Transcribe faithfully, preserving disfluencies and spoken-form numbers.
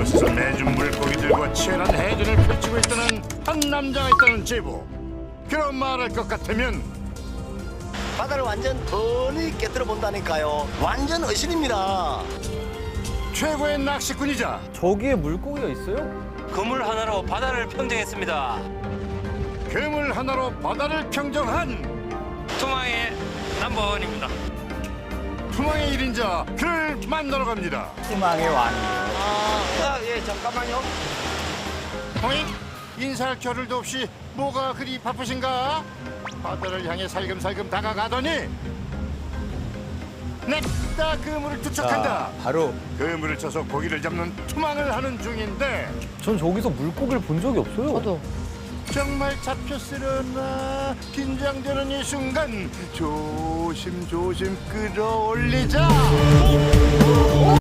이곳에서 매주 물고기들과 치열한 해전을 펼치고 있다는 한 남자가 있다는 제보. 그런 말할 것 같으면 바다를 완전 훤히 깨뜨려 본다니까요. 완전 의신입니다. 최고의 낚시꾼이자 저기에 물고기가 있어요? 그물 하나로 바다를 평정했습니다. 괴물 하나로 바다를 평정한 투망의 넘버원입니다. 투망의 일인자 그를 만나러 갑니다. 희망의 왕. 아, 예, 잠깐만요. 어잉? 인사할 겨를도 없이 뭐가 그리 바쁘신가? 바다를 향해 살금살금 다가가더니 냅다 그물을 투척한다. 자, 바로 그물을 쳐서 고기를 잡는 투망을 하는 중인데 전 저기서 물고기를 본 적이 없어요. 저도. 정말 잡혔으려나 긴장되는 이 순간 조심조심 끌어올리자.